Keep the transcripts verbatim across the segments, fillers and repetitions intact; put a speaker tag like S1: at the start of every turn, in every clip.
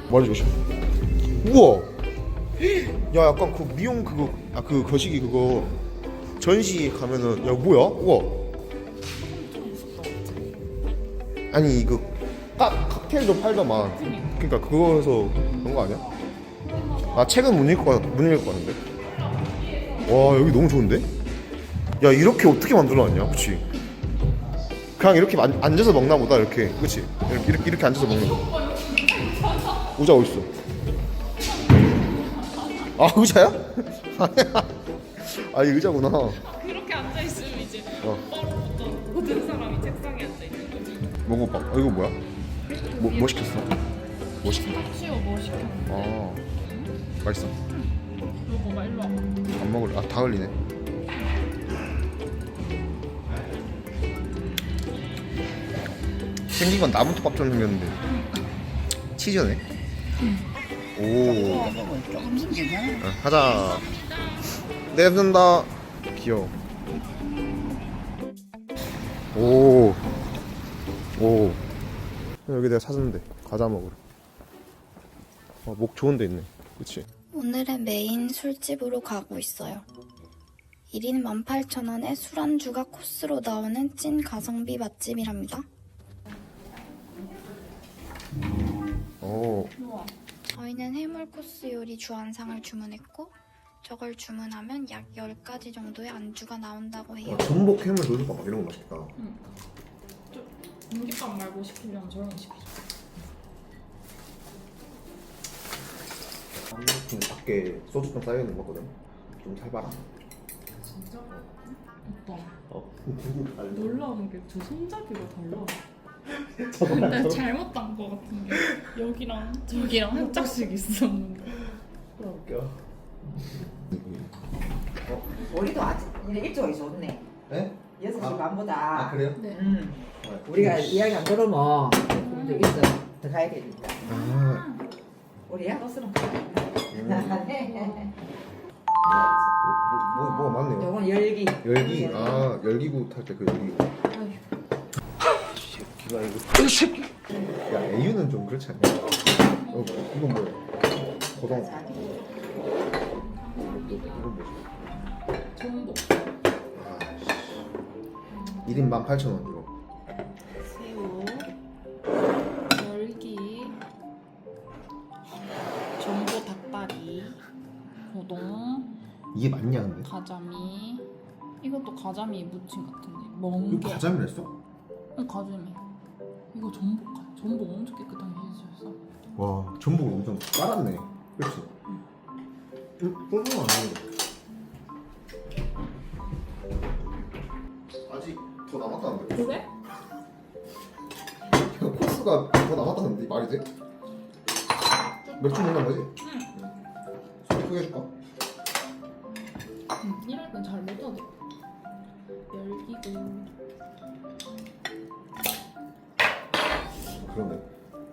S1: 머리 조심. 우와. 야 약간 그 미용 그거 아 그 거시기 그거 전시 가면은 야 뭐야? 우와. 아니 이거 카, 칵테일도 팔더만. 그러니까 그거에서 그런 거 아니야? 아 책은 못 읽을 거 못 읽을 거 같은데. 와 여기 너무 좋은데? 야 이렇게 어떻게 만들어놨냐? 그치? 그냥 이렇게 안, 앉아서 먹나 보다 이렇게. 그치? 이렇게 이렇게, 이렇게 앉아서 먹는 거. 의자 어딨어? 아 의자야? 아 이게 의자구나.
S2: 그렇게 앉아 있으면 이제
S1: 어.
S2: 바로부터 모든 사람이 책상에 앉아 있는 거지.
S1: 먹어봐. 아, 이거 뭐야? 뭐, 뭐 시켰어? 뭐 시켰어?
S2: 치워 뭐 시켰는데?
S1: 아 맛있어?
S2: 이거 봐 일로 와.
S1: 안 먹을래. 아 다 흘리네. 생긴 건 나무토밥처럼 생겼는데 치즈네. 오.
S3: 조금씩 괜찮아.
S1: 아, 하자. 네, 감사합니다. 귀여워. 오. 오. 여기 내가 사줬는데 과자 먹으러. 어, 목 좋은 데 있네. 그치?
S4: 오늘의 메인 술집으로 가고 있어요. 일 인 만 팔천 원에 술안주가 코스로 나오는 찐 가성비 맛집이랍니다.
S1: 오.
S4: 저희는 해물 코스 요리 주안상을 주문했고 저걸 주문하면 약 열 가지 정도의 안주가 나온다고 해요.
S1: 어, 전복 해물 돌솥밥 이런 거 맛있겠다.
S2: 응. 좀 공깃밥 말고 시키려면 저런 거 시키자.
S1: 근데 밖에 소주병 쌓여있는 거 거든. 좀 살봐라.
S2: 진짜? 오빠
S1: 어?
S2: 놀라운 게 저 손잡이가 달라. 근데 잘못 딴 거 같은 게 여기랑 저기랑 한 짝씩 있었는데.
S1: 웃겨.
S3: 우리도 아직 이제 일찍 좋네.
S1: 네?
S3: 여섯 시
S1: 아.
S3: 반보다.
S1: 아 그래요?
S2: 네.
S3: 음.
S1: 네.
S3: 우리가 이야기 안 들으면 좀 있어. 더 가야 되니까.
S1: 아.
S3: 우리야?
S2: 버스랑
S1: 음. 뭐, 뭐, 뭐가 많네요.
S3: 요건 열기.
S1: 열기. 아 열기구 탈 때 그 열기구. 새끼가 이거. 이 새끼. 야 에유는 좀 그렇지 않냐? 어, 이건 뭐야? 고동. 이건 뭐지?
S2: 전복,
S1: 일 인 만 팔천 원 이거.
S2: 새우, 열기, 전복 닭다리, 고동,
S1: 이게 맞냐 근데?
S2: 가자미. 이것도 가자미 무침 같은데.
S1: 이거
S2: 멍게.
S1: 가자미를 했어?
S2: 응, 가자미. 이거 전복 같아. 전복 엄청 깨끗하게 해주셨어.
S1: 와 전복을 엄청 깔았네. 그렇지? 응? 쫄쫄 안 해. 아직 더 남았다는데?
S2: 그래?
S1: 코스가 더 남았다는데 말이 돼? 맥주 먹는 거지?
S2: 응.
S1: 소개 소개해줄까?
S2: 응, 이럴 땐 잘 못하대. 열기고.
S1: 그러네.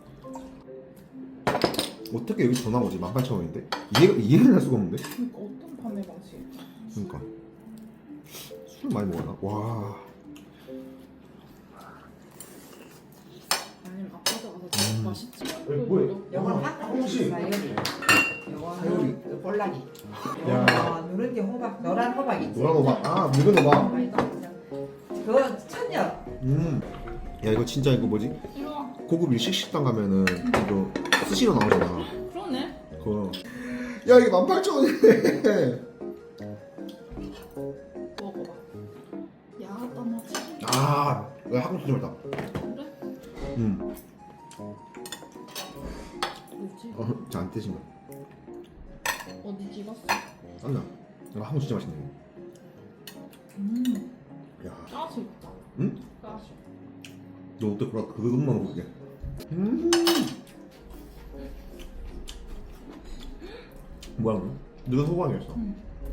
S1: 어떻게 여기 더 나오지? 만 팔천 원인데? 이해, 이해를 할 수가 없는데?
S2: 그러니까 어떤 판매 방식?
S1: 그러니까 술 많이 먹었나? 와.
S2: 아니면 아빠가 가서
S1: 음.
S2: 맛있지?
S1: 뭐야?
S3: 요건
S1: 아,
S3: 한
S1: 혹시?
S3: 사요리.
S1: 사요리.
S3: 요거는 볼락이.
S1: 야.
S3: 요거 누른 게 호박, 노란 호박 있지.
S1: 노란 호박. 아 묽은 호박.
S3: 그거 천엽.
S1: 음. 야 이거 진짜 이거 뭐지?
S2: 이리 와.
S1: 고급 일식 식당 가면은 이거 스시로 나오잖아.
S2: 그러네.
S1: 그거. 야 이게 만 팔천 원이네.
S2: 먹어봐. 야하다 맛이.
S1: 아, 이거 한국 수준이다.
S2: 그래?
S1: 음.
S2: 뭐지?
S1: 어, 저안 떼진 거.
S2: 어디 찍었어?
S1: 땀나. 이거 한국 진짜 맛있네.
S2: 음.
S1: 야.
S2: 가시 있다.
S1: 응?
S2: 가시.
S1: 너 어때? 그거 그것만 먹게. 음. 뭐야 너? 너가 소방이었어.
S2: 응.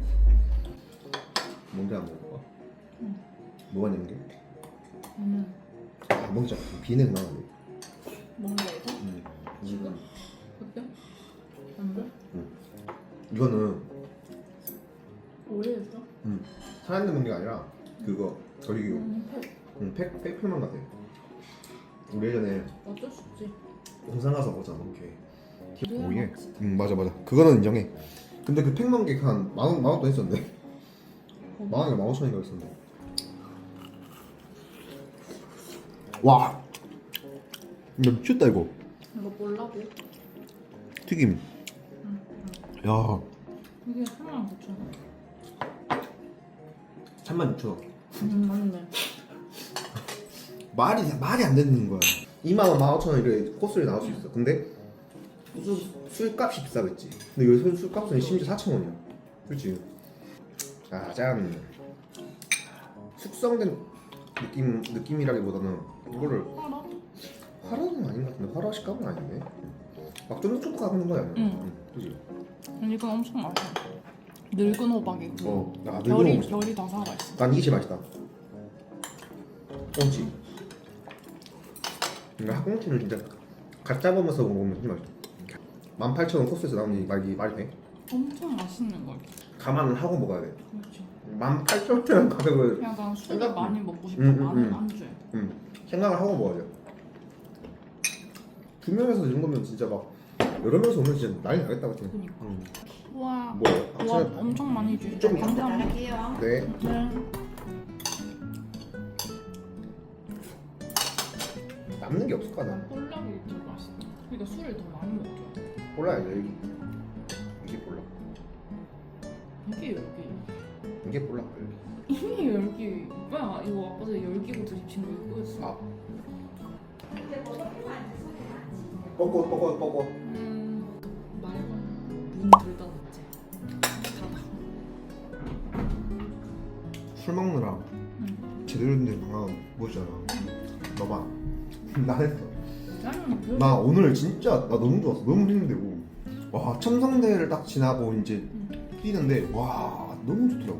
S1: 뭔데 안 먹을까?
S2: 응.
S1: 뭐가 있는 게?
S2: 음.
S1: 아 먹자. 비냉 나가네.
S2: 뭔가 이거?
S1: 음.
S2: 지금?
S1: 음.
S2: 어때? 안 돼?
S1: 이거는
S2: 오래됐어?
S1: 음. 사람 먹는 게 아니라 그거 저기
S2: 음, 팩.
S1: 음, 팩 팩표만 같아. 우리 예전에
S2: 어쩔 수 없지.
S1: 공상 가서 먹었잖아. 이렇게 오예. 음 맞아 맞아. 그거는 인정해. 근데 그 팩만 게한 만원 만원 돈 했었는데. 만 원이가 만 오천인가 했었는데. 와. 이거 미쳤다 이거.
S2: 이거 몰라고?
S1: 튀김. 야.
S2: 이게 삼만 구천 원.
S1: 삼만 육천 원.
S2: 음 맞네.
S1: 말이 말이 안 되는 거야. 이만 원, 만 오천 원 이렇게 코스를 나올 수 있어. 근데 술, 술값이 비싸겠지. 근데 여기 술, 술값은 심지어 사천 원이야. 그렇지. 짜잔. 숙성된 느낌 느낌이라기보다는 이거를
S2: 알아?
S1: 화로는 아닌 것 같은데 화로 식감은 아니네. 막 쫀득쫀득하는 거야.
S2: 응.
S1: 응. 그지.
S2: 이건 엄청 맛있어. 늙은 호박이고
S1: 어. 야,
S2: 결이
S1: 늙은 호박.
S2: 결이 다 살아있어.
S1: 난 이게 제일 맛있다. 꽁치. 그러니까 학꽁치는 진짜 갓 잡으면서 먹으면 진짜 맛있어. 만 팔천 원 코스에서 나오니 말이 말이 돼?
S2: 엄청 맛있는 거.
S1: 감안을 하고 먹어야 돼.
S2: 그렇지.
S1: 만 팔천 원이라는 가격을
S2: 약간 술을
S1: 생각-
S2: 많이 먹고 싶어.
S1: 음, 음,
S2: 많은
S1: 음.
S2: 안주에.
S1: 음, 생각을 하고 먹어야 돼. 두 명에서 이 정도면 진짜 막 여러 명이서 오면 진짜 난리 나겠다 같은.
S2: 그니까.
S1: 음.
S2: 우와.
S1: 뭐야?
S2: 와
S1: 아침에
S2: 엄청 많이 주시죠.
S1: 좀
S2: 감사합니다.
S1: 네.
S2: 네.
S1: 남는 게 없을 거야. 나.
S2: 콜라비 더 맛있다. 그러니까 술을 더 많이 먹죠.
S1: 몰라요 여기. 이게 몰라.
S2: 이게 열기.
S1: 이게 몰라. 여기.
S2: 이게 열기. 뭐야 이거 아까 전에 열기고 드립친 거 이거였어.
S1: 아. 뻐꼬 뻐꼬 뻐꼬.
S2: 음. 말고 문 들다 놨지. 닫아.
S1: 술 먹느라
S2: 응.
S1: 제대로 된 데 방황 뭐잖아. 너봐. 나 했어.
S2: 나는 별.
S1: 나 오늘 진짜 나 너무 좋았어. 너무 힘들고. 와 첨성대를 딱 지나고 이제
S2: 응.
S1: 뛰는데 와 너무 좋더라고.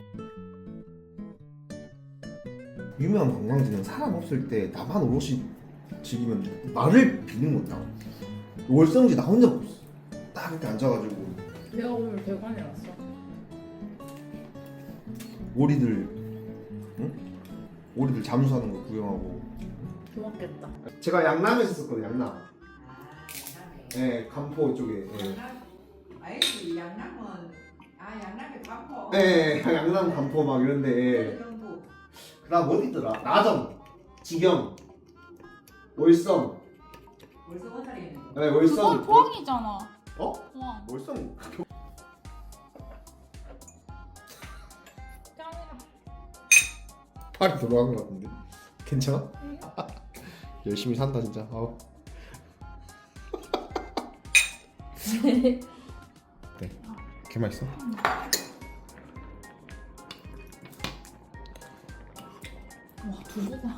S1: 유명한 관광지는 사람 없을 때 나만 오롯이 즐기면 나를 비는 거야. 월성지 나 혼자 먹었어. 딱 이렇게 앉아가지고
S2: 내가 오늘 대관에 왔어.
S1: 오리들, 응? 오리들 잠수하는 거 구경하고.
S2: 좋았겠다.
S1: 제가 양남에 있었거든요. 양남. 네, 간포 쪽에. 예.
S3: 아이고 양남은 아 양남에 반포.
S1: 네, 양남 간포 막 이런데.
S3: 정부.
S1: 그다음 어디 있더라? 나정, 지경, 월성.
S3: 벌써 원살이 있는 거.
S1: 네, 월성.
S2: 그건 포항이잖아.
S1: 어?
S2: 포항.
S1: 월성.
S2: 짱이다.
S1: 팔이 돌아간 것 같은데. 괜찮아? 열심히 산다 진짜. 아우. 네. 개 맛있어.
S2: 와 두부가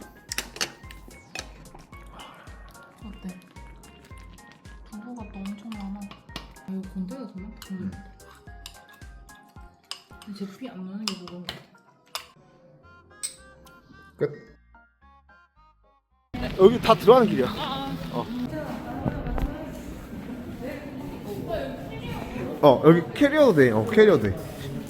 S2: 어때? 두부가 또 엄청 많아. 아 이거 건더기가 더 많다.
S1: 음.
S2: 근데 제피 안 나는 게 그건 것 같아.
S1: 끝. 여기 다 들어가는 길이야.
S2: 아,
S1: 어. 어 여기 캐리어도 돼. 어 캐리어도 돼.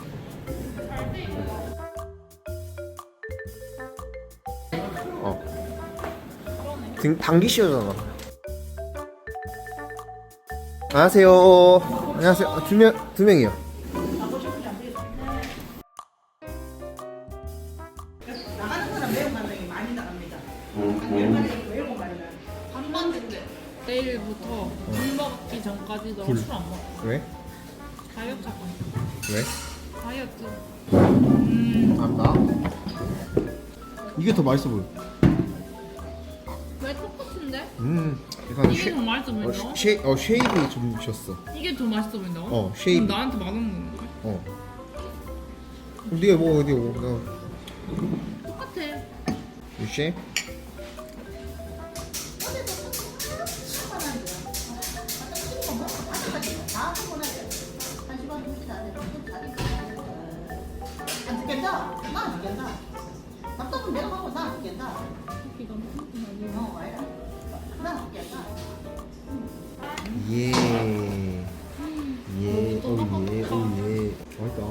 S1: 어. 등 당기 씌워잖아. 안녕하세요. 안녕하세요. 아, 두 명, 두 명이요.
S3: 나가는 거는 매운맛이 많이 나갑니다. 한 마리 매운 맛이 나.
S2: 반반인데 내일부터 술 먹기 전까지 너
S1: 굴.
S2: 술 안 먹어.
S1: 왜?
S2: 다이어트 할 거야.
S1: 왜?
S2: 다이어트.
S1: 안다. 이게 더 맛있어 보여.
S2: 왜 똑같은데?
S1: 음, 약간
S2: 이게
S1: 쉐,
S2: 더 맛있어
S1: 어,
S2: 보인다.
S1: 쉐, 어 쉐입이 좀 졌어.
S2: 이게 더 맛있어 보인다고?
S1: 어, 쉐입.
S2: 그럼 나한테 맛없는 건데?
S1: 어. 네가 뭐 어디 뭐 나.
S2: 똑같아.
S1: 이 쉐입?
S3: 안 죽겠다. 나안 죽겠다. 답답은 내가 하고 나안 죽겠다.
S2: 기가 막히게
S3: 어, 와이라. 나안 죽겠다.
S1: 예. 예. 오 예. 오 예. 맛있다.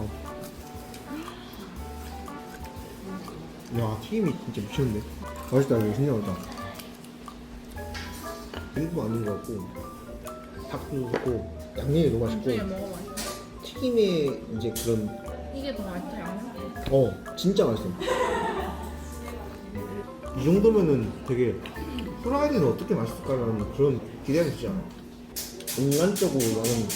S1: 야, 튀김이 진짜 미쳤는데. 맛있다. 이거 진짜 맛있다. 일부 아닌 것 같고. 닭도 좋고 양념이 너무 맛있고
S2: 나중에 먹어봐.
S1: 튀김의 이제 그런
S2: 이게 더 맛있다 양념.
S1: 어 진짜 맛있어. 이 정도면은 되게 후라이드는 어떻게 맛있을까라는 그런 기대가 되지 않아? 인간적으로 나는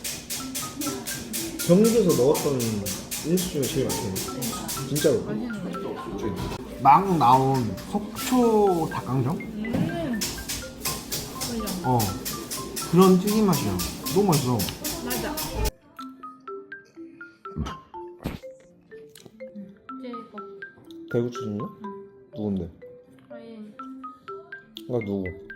S1: 경주에서 먹었던 음식 중에 제일 맛있네. 진짜로.
S2: 맛있는 거.
S1: 막 나온 속초 닭강정?
S2: 음. 맞아.
S1: 어 그런 튀김 맛이야. 너무 맛있어.
S2: 맞아. 이제 이거.
S1: 대구 출신이야? 누군데?
S2: 아예
S1: 나 누구?